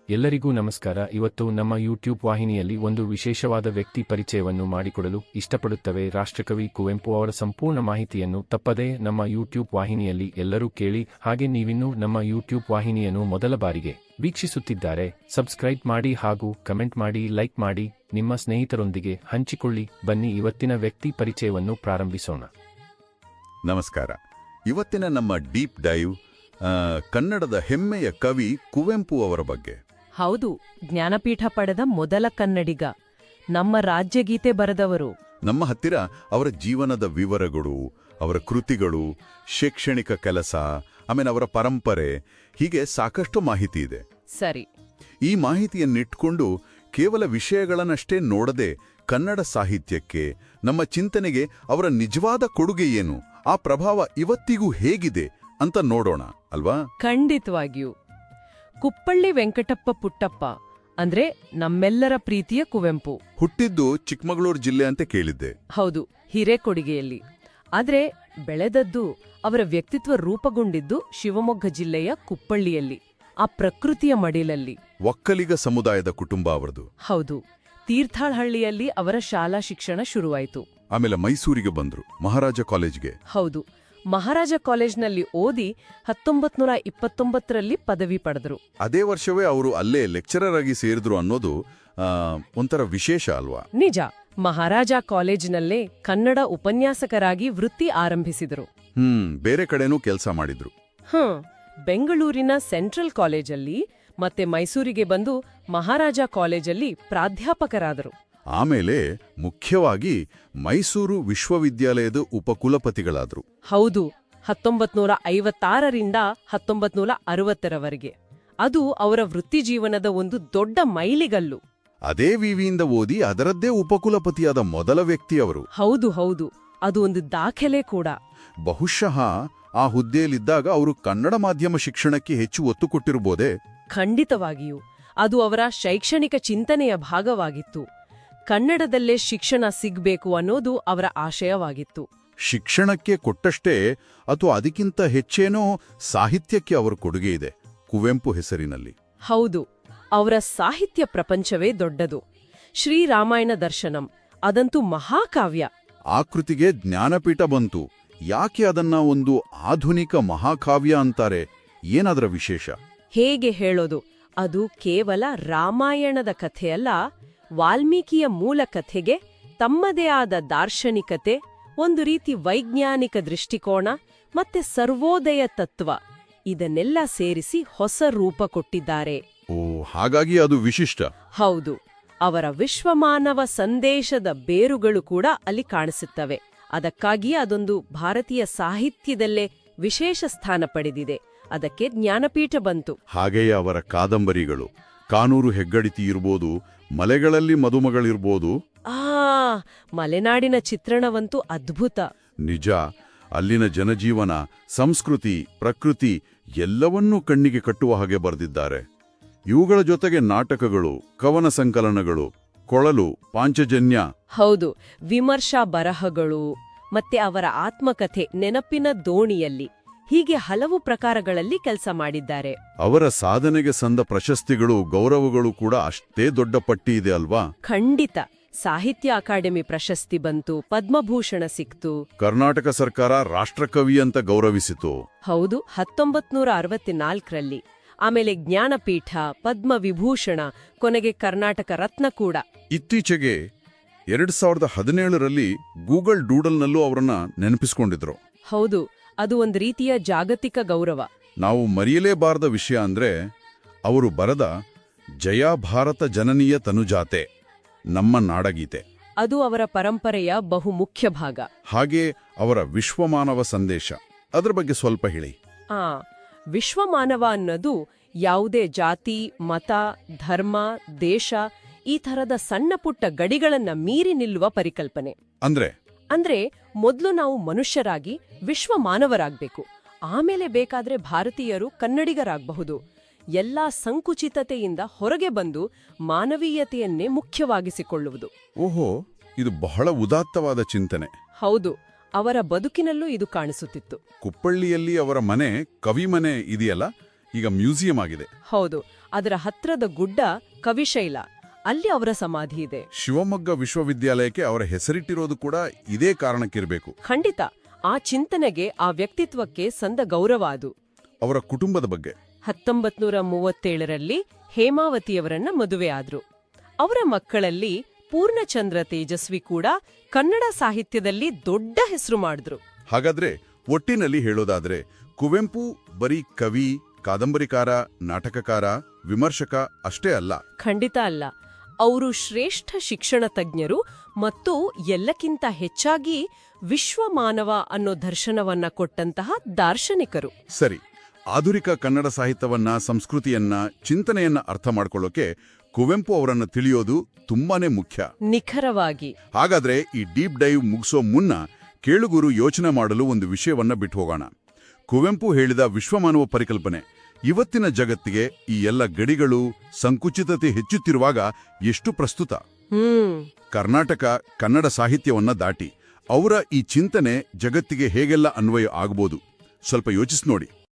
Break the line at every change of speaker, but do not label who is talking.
ಎಲ್ಲರಿಗೂ ನಮಸ್ಕಾರ. ಇವತ್ತು ನಮ್ಮ ಯೂಟ್ಯೂಬ್ ವಾಹಿನಿಯಲ್ಲಿ ಒಂದು ವಿಶೇಷವಾದ ವ್ಯಕ್ತಿ ಪರಿಚಯವನ್ನು ಮಾಡಿಕೊಡಲು ಇಷ್ಟಪಡುತ್ತವೆ. ರಾಷ್ಟ್ರಕವಿ ಕುವೆಂಪು ಅವರ ಸಂಪೂರ್ಣ ಮಾಹಿತಿಯನ್ನು ತಪ್ಪದೇ ನಮ್ಮ ಯೂಟ್ಯೂಬ್ ವಾಹಿನಿಯಲ್ಲಿ ಎಲ್ಲರೂ ಕೇಳಿ. ಹಾಗೆ ನೀವಿನ್ನೂ ನಮ್ಮ ಯೂಟ್ಯೂಬ್ ವಾಹಿನಿಯನ್ನು ಮೊದಲ ಬಾರಿಗೆ ವೀಕ್ಷಿಸುತ್ತಿದ್ದಾರೆ, ಸಬ್ಸ್ಕ್ರೈಬ್ ಮಾಡಿ ಹಾಗೂ ಕಮೆಂಟ್ ಮಾಡಿ, ಲೈಕ್ ಮಾಡಿ, ನಿಮ್ಮ ಸ್ನೇಹಿತರೊಂದಿಗೆ ಹಂಚಿಕೊಳ್ಳಿ. ಬನ್ನಿ ಇವತ್ತಿನ ವ್ಯಕ್ತಿ ಪರಿಚಯವನ್ನು ಪ್ರಾರಂಭಿಸೋಣ.
ನಮಸ್ಕಾರ. ಇವತ್ತಿನ ನಮ್ಮ ಡೀಪ್ ಡೈವ್ ಕನ್ನಡದ ಹೆಮ್ಮೆಯ ಕವಿ ಕುವೆಂಪು ಅವರ ಬಗ್ಗೆ.
ಹೌದು, ಜ್ಞಾನಪೀಠ ಪಡೆದ ಮೊದಲ ಕನ್ನಡಿಗ, ನಮ್ಮ ರಾಜ್ಯಗೀತೆ ಬರೆದವರು.
ನಮ್ಮ ಹತ್ತಿರ ಅವರ ಜೀವನದ ವಿವರಗಳು, ಅವರ ಕೃತಿಗಳು, ಶೈಕ್ಷಣಿಕ ಕೆಲಸ, ಆಮೇಲೆ ಅವರ ಪರಂಪರೆ, ಹೀಗೆ ಸಾಕಷ್ಟು ಮಾಹಿತಿ ಇದೆ.
ಸರಿ,
ಈ ಮಾಹಿತಿಯನ್ನಿಟ್ಕೊಂಡು ಕೇವಲ ವಿಷಯಗಳನ್ನಷ್ಟೇ ನೋಡದೆ ಕನ್ನಡ ಸಾಹಿತ್ಯಕ್ಕೆ, ನಮ್ಮ ಚಿಂತನೆಗೆ ಅವರ ನಿಜವಾದ ಕೊಡುಗೆ ಏನು, ಆ ಪ್ರಭಾವ ಇವತ್ತಿಗೂ ಹೇಗಿದೆ ಅಂತ ನೋಡೋಣ ಅಲ್ವಾ?
ಖಂಡಿತವಾಗಿಯೂ. ಕುಪ್ಪಳ್ಳಿ ವೆಂಕಟಪ್ಪ ಪುಟ್ಟಪ್ಪ ಅಂದ್ರೆ ನಮ್ಮೆಲ್ಲರ ಪ್ರೀತಿಯ ಕುವೆಂಪು.
ಹುಟ್ಟಿದ್ದು ಚಿಕ್ಕಮಗಳೂರು ಜಿಲ್ಲೆ ಅಂತ ಕೇಳಿದ್ದೆ.
ಹೌದು, ಹಿರೇಕೊಡಿಗೆಯಲ್ಲಿ. ಆದ್ರೆ ಬೆಳೆದದ್ದು, ಅವರ ವ್ಯಕ್ತಿತ್ವ ರೂಪುಗೊಂಡಿದ್ದು ಶಿವಮೊಗ್ಗ ಜಿಲ್ಲೆಯ ಕುಪ್ಪಳ್ಳಿಯಲ್ಲಿ, ಆ ಪ್ರಕೃತಿಯ ಮಡಿಲಲ್ಲಿ.
ಒಕ್ಕಲಿಗ ಸಮುದಾಯದ ಕುಟುಂಬ ಅವರದು.
ಹೌದು, ತೀರ್ಥಹಳ್ಳಿಯಲ್ಲಿ ಅವರ ಶಾಲಾ ಶಿಕ್ಷಣ ಶುರುವಾಯಿತು.
ಆಮೇಲೆ ಮೈಸೂರಿಗೆ ಬಂದ್ರು, ಮಹಾರಾಜ ಕಾಲೇಜ್ಗೆ.
ಹೌದು, ಮಹಾರಾಜ ಕಾಲೇಜ್ನಲ್ಲಿ ಓದಿ 1929ರಲ್ಲಿ ಪದವಿ ಪಡೆದರು.
ಅದೇ ವರ್ಷವೇ ಅವರು ಅಲ್ಲೇ ಲೆಕ್ಚರರ್ ಆಗಿ ಸೇರಿದ್ರು ಅನ್ನೋದು ಒಂಥರ ವಿಶೇಷ ಅಲ್ವಾ?
ನಿಜ. ಮಹಾರಾಜ ಕಾಲೇಜಿನಲ್ಲೇ ಕನ್ನಡ ಉಪನ್ಯಾಸಕರಾಗಿ ವೃತ್ತಿ ಆರಂಭಿಸಿದರು.
ಬೇರೆ ಕಡೆನೂ ಕೆಲಸ ಮಾಡಿದ್ರು.
ಬೆಂಗಳೂರಿನ ಸೆಂಟ್ರಲ್ ಕಾಲೇಜಲ್ಲಿ ಮತ್ತೆ ಮೈಸೂರಿಗೆ ಬಂದು ಮಹಾರಾಜ ಕಾಲೇಜಲ್ಲಿ ಪ್ರಾಧ್ಯಾಪಕರಾದರು.
ಆಮೇಲೆ ಮುಖ್ಯವಾಗಿ ಮೈಸೂರು ವಿಶ್ವವಿದ್ಯಾಲಯದ ಉಪಕುಲಪತಿಗಳಾದ್ರು.
ಹೌದು, 1956ರಿಂದ 1960ರವರೆಗೆ. ಅದು ಅವರ ವೃತ್ತಿಜೀವನದ ಒಂದು ದೊಡ್ಡ ಮೈಲಿಗಲ್ಲು.
ಅದೇ ವಿವಿಯಿಂದ ಓದಿ ಅದರದ್ದೇ ಉಪಕುಲಪತಿಯಾದ ಮೊದಲ ವ್ಯಕ್ತಿ ಅವರು.
ಹೌದು ಹೌದು, ಅದು ಒಂದು ದಾಖಲೆ ಕೂಡ.
ಬಹುಶಃ ಆ ಹುದ್ದೆಯಲ್ಲಿದ್ದಾಗ ಅವರು ಕನ್ನಡ ಮಾಧ್ಯಮ ಶಿಕ್ಷಣಕ್ಕೆ ಹೆಚ್ಚು ಒತ್ತು ಕೊಟ್ಟಿರಬಹುದೇ?
ಖಂಡಿತವಾಗಿಯೂ. ಅದು ಅವರ ಶೈಕ್ಷಣಿಕ ಚಿಂತನೆಯ ಭಾಗವಾಗಿತ್ತು. ಕನ್ನಡದಲ್ಲೇ ಶಿಕ್ಷಣ ಸಿಗ್ಬೇಕು ಅನ್ನೋದು ಅವರ ಆಶಯವಾಗಿತ್ತು.
ಶಿಕ್ಷಣಕ್ಕೆ ಕೊಟ್ಟಷ್ಟೇ ಅಥವಾ ಅದಕ್ಕಿಂತ ಹೆಚ್ಚೇನೋ ಸಾಹಿತ್ಯಕ್ಕೆ ಅವರ ಕೊಡುಗೆ ಇದೆ ಕುವೆಂಪು ಹೆಸರಿನಲ್ಲಿ.
ಹೌದು, ಅವರ ಸಾಹಿತ್ಯ ಪ್ರಪಂಚವೇ ದೊಡ್ಡದು. ಶ್ರೀರಾಮಾಯಣ ದರ್ಶನಂ ಅದಂತೂ ಮಹಾಕಾವ್ಯ.
ಆ ಕೃತಿಗೆ ಜ್ಞಾನಪೀಠ ಬಂತು. ಯಾಕೆ ಅದನ್ನ ಒಂದು ಆಧುನಿಕ ಮಹಾಕಾವ್ಯ ಅಂತಾರೆ? ಏನಾದರ ವಿಶೇಷ?
ಹೇಗೆ ಹೇಳೋದು? ಅದು ಕೇವಲ ರಾಮಾಯಣದ ಕಥೆಯಲ್ಲ, ವಾಲ್ಮೀಕಿಯ ಮೂಲ ಕಥೆಗೆ ತಮ್ಮದೇ ಆದ ದಾರ್ಶನಿಕತೆ, ಒಂದು ರೀತಿ ವೈಜ್ಞಾನಿಕ ದೃಷ್ಟಿಕೋನ ಮತ್ತೆ ಸರ್ವೋದಯ ತತ್ವ, ಇದನ್ನೆಲ್ಲ ಸೇರಿಸಿ ಹೊಸ ರೂಪ ಕೊಟ್ಟಿದ್ದಾರೆ.
ಹಾಗಾಗಿ ಅದು ವಿಶಿಷ್ಟ.
ಹೌದು, ಅವರ ವಿಶ್ವಮಾನವ ಸಂದೇಶದ ಬೇರುಗಳು ಕೂಡ ಅಲ್ಲಿ ಕಾಣಿಸುತ್ತವೆ. ಅದಕ್ಕಾಗಿಯೇ ಅದೊಂದು ಭಾರತೀಯ ಸಾಹಿತ್ಯದಲ್ಲೇ ವಿಶೇಷ ಸ್ಥಾನ ಪಡೆದಿದೆ. ಅದಕ್ಕೆ ಜ್ಞಾನಪೀಠ ಬಂತು.
ಹಾಗೆಯೇ ಅವರ ಕಾದಂಬರಿಗಳು, ಕಾನೂರು ಹೆಗ್ಗಡಿತಿ ಇರ್ಬೋದು, ಮಲೆಗಳಲ್ಲಿ ಮದುಮಗಳಿರ್ಬೋದು.
ಮಲೆನಾಡಿನ ಚಿತ್ರಣವಂತೂ ಅದ್ಭುತ.
ನಿಜ. ಅಲ್ಲಿನ ಜನಜೀವನ, ಸಂಸ್ಕೃತಿ, ಪ್ರಕೃತಿ ಎಲ್ಲವನ್ನೂ ಕಣ್ಣಿಗೆ ಕಟ್ಟುವ ಹಾಗೆ ಬರೆದಿದ್ದಾರೆ. ಇವುಗಳ ಜೊತೆಗೆ ನಾಟಕಗಳು, ಕವನ ಸಂಕಲನಗಳು, ಕೊಳಲು, ಪಾಂಚಜನ್ಯ.
ಹೌದು, ವಿಮರ್ಶಾ ಬರಹಗಳು ಮತ್ತೆ ಅವರ ಆತ್ಮಕಥೆ ನೆನಪಿನ ದೋಣಿಯಲ್ಲಿ, ಹೀಗೆ ಹಲವು ಪ್ರಕಾರಗಳಲ್ಲಿ ಕೆಲಸ ಮಾಡಿದ್ದಾರೆ.
ಅವರ ಸಾಧನೆಗೆ ಸಂದ ಪ್ರಶಸ್ತಿಗಳು, ಗೌರವಗಳು ಕೂಡ ಅಷ್ಟೇ ದೊಡ್ಡ ಪಟ್ಟಿ ಇದೆ ಅಲ್ವಾ?
ಖಂಡಿತ. ಸಾಹಿತ್ಯ ಅಕಾಡೆಮಿ ಪ್ರಶಸ್ತಿ ಬಂತು, ಪದ್ಮಭೂಷಣ ಸಿಕ್ತು,
ಕರ್ನಾಟಕ ಸರ್ಕಾರ ರಾಷ್ಟ್ರಕವಿ ಅಂತ ಗೌರವಿಸಿತು.
ಹೌದು, 1964ರಲ್ಲಿ. ಆಮೇಲೆ ಜ್ಞಾನಪೀಠ, ಪದ್ಮವಿಭೂಷಣ, ಕೊನೆಗೆ ಕರ್ನಾಟಕ ರತ್ನ ಕೂಡ.
ಇತ್ತೀಚೆಗೆ 2017ರಲ್ಲಿ ಗೂಗಲ್ ಡೂಡಲ್ನಲ್ಲೂ ಅವರನ್ನ ನೆನಪಿಸಿಕೊಂಡಿದ್ರು.
ಹೌದು, ಅದು ಒಂದು ರೀತಿಯ ಜಾಗತಿಕ ಗೌರವ.
ನಾವು ಮರೆಯಲೇಬಾರದ ವಿಷಯ ಅಂದ್ರೆ ಅವರು ಬರೆದ ಜಯ ಭಾರತ ಜನನೀಯ ತನುಜಾತೆ, ನಮ್ಮ ನಾಡಗೀತೆ.
ಅದು ಅವರ ಪರಂಪರೆಯ ಬಹುಮುಖ್ಯ ಭಾಗ.
ಹಾಗೆ ಅವರ ವಿಶ್ವಮಾನವ ಸಂದೇಶ, ಅದರ ಬಗ್ಗೆ ಸ್ವಲ್ಪ ಹೇಳಿ.
ವಿಶ್ವಮಾನವ ಅನ್ನೋದು ಯಾವುದೇ ಜಾತಿ, ಮತ, ಧರ್ಮ, ದೇಶ, ಈ ಥರದ ಸಣ್ಣ ಪುಟ್ಟ ಗಡಿಗಳನ್ನ ಮೀರಿ ನಿಲ್ಲುವ ಪರಿಕಲ್ಪನೆ. ಅಂದ್ರೆ ಮೊದಲು ನಾವು ಮನುಷ್ಯರಾಗಿ ವಿಶ್ವಮಾನವರಾಗಬೇಕು, ಆಮೇಲೆ ಬೇಕಾದ್ರೆ ಭಾರತೀಯರು ಕನ್ನಡಿಗರಾಗಬಹುದು. ಎಲ್ಲಾ ಸಂಕುಚಿತತೆಯಿಂದ ಹೊರಗೆ ಬಂದು ಮಾನವೀಯತೆಯನ್ನೇ ಮುಖ್ಯವಾಗಿಸಿಕೊಳ್ಳುವುದು.
ಓಹೋ, ಇದು ಬಹಳ ಉದಾತ್ತವಾದ ಚಿಂತನೆ.
ಹೌದು, ಅವರ ಬದುಕಿನಲ್ಲೂ ಇದು ಕಾಣಿಸುತ್ತಿತ್ತು.
ಕುಪ್ಪಳ್ಳಿಯಲ್ಲಿ ಅವರ ಮನೆ, ಕವಿಮನೆ ಇದೆಯಲ್ಲ, ಈಗ ಮ್ಯೂಸಿಯಂ ಆಗಿದೆ.
ಹೌದು, ಅದರ ಹತ್ರದ ಗುಡ್ಡ ಕವಿಶೈಲ, ಅಲ್ಲಿ ಅವರ ಸಮಾಧಿ ಇದೆ.
ಶಿವಮೊಗ್ಗ ವಿಶ್ವವಿದ್ಯಾಲಯಕ್ಕೆ ಅವರ ಹೆಸರಿಟ್ಟಿರೋದು ಕೂಡ ಇದೇ ಕಾರಣಕ್ಕಿರಬೇಕು.
ಖಂಡಿತ, ಆ ಚಿಂತನೆಗೆ, ಆ ವ್ಯಕ್ತಿತ್ವಕ್ಕೆ ಸಂದ ಗೌರವ ಅದು.
ಅವರ ಕುಟುಂಬದ ಬಗ್ಗೆ
1937ರಲ್ಲಿ ಹೇಮಾವತಿಯವರನ್ನ ಮದುವೆ ಆದ್ರು. ಅವರ ಮಕ್ಕಳಲ್ಲಿ ಪೂರ್ಣಚಂದ್ರ ತೇಜಸ್ವಿ ಕೂಡ ಕನ್ನಡ ಸಾಹಿತ್ಯದಲ್ಲಿ ದೊಡ್ಡ ಹೆಸರು ಮಾಡಿದ್ರು.
ಹಾಗಾದ್ರೆ ಒಟ್ಟಿನಲ್ಲಿ ಹೇಳೋದಾದ್ರೆ ಕುವೆಂಪು ಬರೀ ಕವಿ, ಕಾದಂಬರಿಕಾರ, ನಾಟಕಕಾರ, ವಿಮರ್ಶಕ ಅಷ್ಟೇ ಅಲ್ಲ.
ಖಂಡಿತ ಅಲ್ಲ. ಅವರು ಶ್ರೇಷ್ಠ ಶಿಕ್ಷಣ ತಜ್ಞರು ಮತ್ತು ಎಲ್ಲಕ್ಕಿಂತ ಹೆಚ್ಚಾಗಿ ವಿಶ್ವಮಾನವ ಅನ್ನೋ ದರ್ಶನವನ್ನ ಕೊಟ್ಟಂತಹ ದಾರ್ಶನಿಕರು.
ಸರಿ, ಆಧುನಿಕ ಕನ್ನಡ ಸಾಹಿತ್ಯವನ್ನ, ಸಂಸ್ಕೃತಿಯನ್ನ, ಚಿಂತನೆಯನ್ನ ಅರ್ಥ ಮಾಡ್ಕೊಳ್ಳೋಕೆ ಕುವೆಂಪು ಅವರನ್ನ ತಿಳಿಯೋದು ತುಂಬಾನೇ ಮುಖ್ಯ.
ನಿಖರವಾಗಿ.
ಹಾಗಾದ್ರೆ ಈ ಡೀಪ್ ಡೈವ್ ಮುಗಿಸೋ ಮುನ್ನ ಕೇಳುಗರು ಯೋಚನೆ ಮಾಡಲು ಒಂದು ವಿಷಯವನ್ನ ಬಿಟ್ಟು ಹೋಗೋಣ. ಕುವೆಂಪು ಹೇಳಿದ ವಿಶ್ವಮಾನವ ಪರಿಕಲ್ಪನೆ ಇವತ್ತಿನ ಜಗತ್ತಿಗೆ, ಈ ಎಲ್ಲ ಗಡಿಗಳು, ಸಂಕುಚಿತತೆ ಹೆಚ್ಚುತ್ತಿರುವಾಗ ಎಷ್ಟು ಪ್ರಸ್ತುತ. ಕರ್ನಾಟಕ ಕನ್ನಡ ಸಾಹಿತ್ಯವನ್ನ ದಾಟಿ ಅವರ ಈ ಚಿಂತನೆ ಜಗತ್ತಿಗೆ ಹೇಗೆಲ್ಲ ಅನ್ವಯ ಆಗ್ಬೋದು, ಸ್ವಲ್ಪ ಯೋಚಿಸಿ ನೋಡಿ.